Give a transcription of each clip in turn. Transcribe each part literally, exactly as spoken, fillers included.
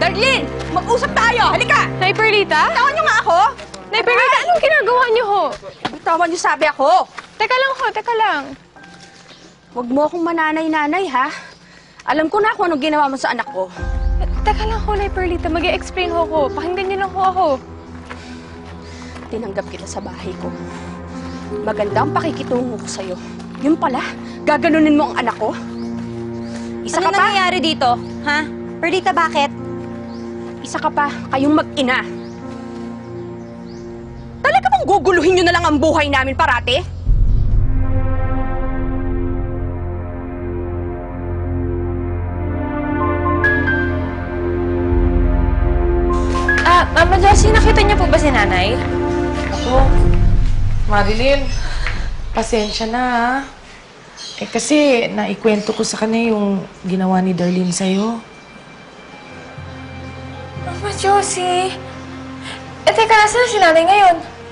Darlene! Mag-usap tayo! Halika! Nay Perlita? Bitawan niyo nga ako! Nay Perlita, anong ginagawa niyo ho? Bitawan niyo sabi ako! Teka lang ho, teka lang. Huwag mo akong mananay-nanay, ha? Alam ko na kung anong ginawa mo sa anak ko. Eh, Teka lang ho, Nay Perlita, mag-i-explain ho ko. Pakinggan niyo lang ho ako. Tinanggap kita sa bahay ko. Maganda ang pakikitungo ko sa'yo. Yun pala, gaganunin mo ang anak ko? Isa Ano ka pa? nangyayari dito? Ha? Perlita, bakit? Isa ka pa, kayong mag-ina. Talaga bang guguluhin nyo na lang ang buhay namin parati? Ah, Mama Josie, nakita niyo po ba si Nanay? Ako, Marilyn, pasensya na ha. Eh kasi naikwento ko sa kanya yung ginawa ni Darlene sa'yo. Mama Josie? Eh, teka, nasa si Nanay ngayon?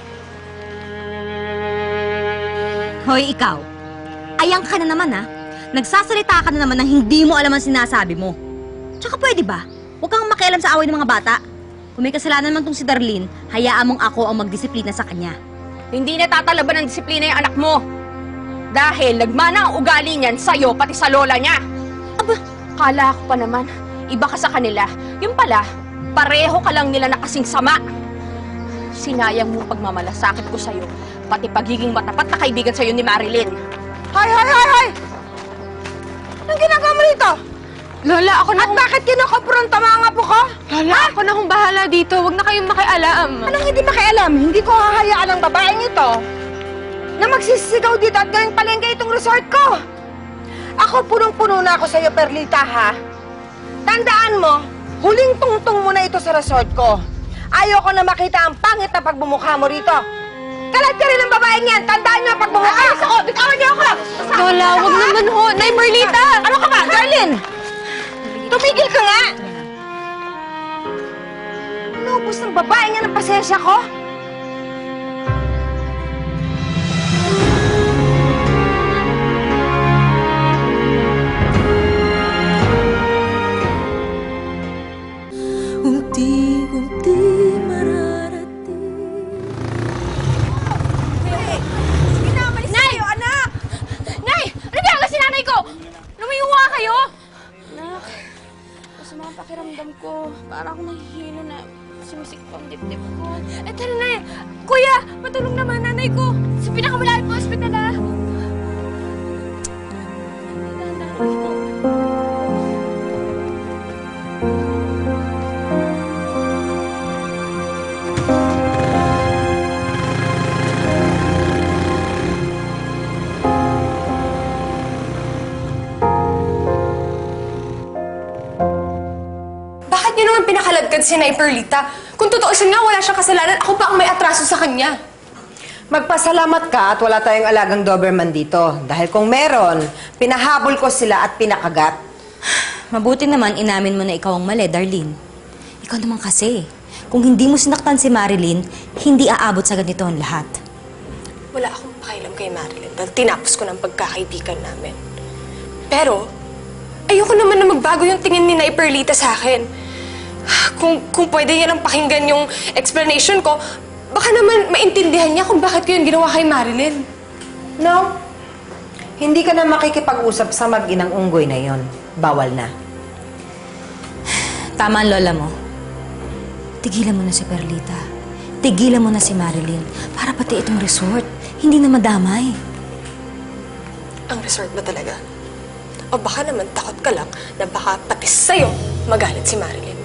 Hoy, ikaw. Ayang ka na naman, ha? Nagsasalita ka na naman nang hindi mo alam ang sinasabi mo. Tsaka pwede ba? Huwag kang makialam sa away ng mga bata. Kung may kasalanan man tong si Darlene, hayaan mong ako ang magdisiplina sa kanya. Hindi na tatalaban ng disiplina yung anak mo. Dahil nagmana ang ugali niyan sa'yo, pati sa lola niya. Aba, kala ko pa naman, iba ka sa kanila. Yung pala, pareho ka lang nila na kasing sama. Sinayang mo pagmamalasakit ko sa'yo, pati pagiging matapat na kaibigan sa'yo ni Marilyn. Hoy, hoy, hoy, hoy! Anong ginagawa mo rito? Lola, ako na At bakit kinukopronta mga apo ko? Lola, ako na kong bahala dito. Huwag na kayong makialam. Anong hindi makialam? Hindi ko hahayaan ang babaeng ito na magsisigaw dito at gawing palengke itong resort ko. Ako, punong-puno na ako sa'yo, Perlita, ha? Tandaan mo, huling tungtong mo na ito sa resort ko. Ayoko na makita ang pangit na pagbumukha mo rito. Kalat ka rin ang babaeng yan! Tandaan niyo ang pagbumukha! Ayos ako! Bitawan niyo ako! Lola, huwag naman ho. Nay Perlita! Ano ka ba, Darlene? Tumigil ka nga! Inubos ng babae niya ng pasensya ko? Unti-unti mararating. Sige na, malis kayo, anak! Nay! Ano ginagawa si nanay ko? Lumayuwa kayo! Anak, masama ang pakiramdam ko. Para akong nahihilo na sumisikip ang dibdib ko. Eh, tara na eh. Kuya, matulong naman nanay ko. Sa pinakamalapit po hospital ah. Bakit niyo naman pinakaladkad si Nay Perlita? Kung tutuusin nga, wala siyang kasalanan. Ako pa ang may atraso sa kanya. Magpasalamat ka at wala tayong alagang Doberman dito. Dahil kung meron, pinahabol ko sila at pinakagat. Mabuti naman inamin mo na ikaw ang mali, Darlene. Ikaw naman kasi. Kung hindi mo sinaktan si Marilyn, hindi aabot sa ganito ang lahat. Wala akong pakialam kay Marilyn dahil tinapos ko ng pagkakaibigan namin. Pero, ayoko naman na magbago yung tingin ni Nay Perlita sa akin. Kung, kung pwede niya lang pakinggan yung explanation ko, baka naman maintindihan niya kung bakit ko yun ginawa kay Marilyn. No? Hindi ka na makikipag-usap sa mag-inang unggoy na yon. Bawal na. Tama ang lola mo. Tigilan mo na si Perlita. Tigilan mo na si Marilyn. Para pati itong resort, hindi na madamay. Ang resort ba talaga? O baka naman takot ka lang na baka pati sa'yo magalit si Marilyn.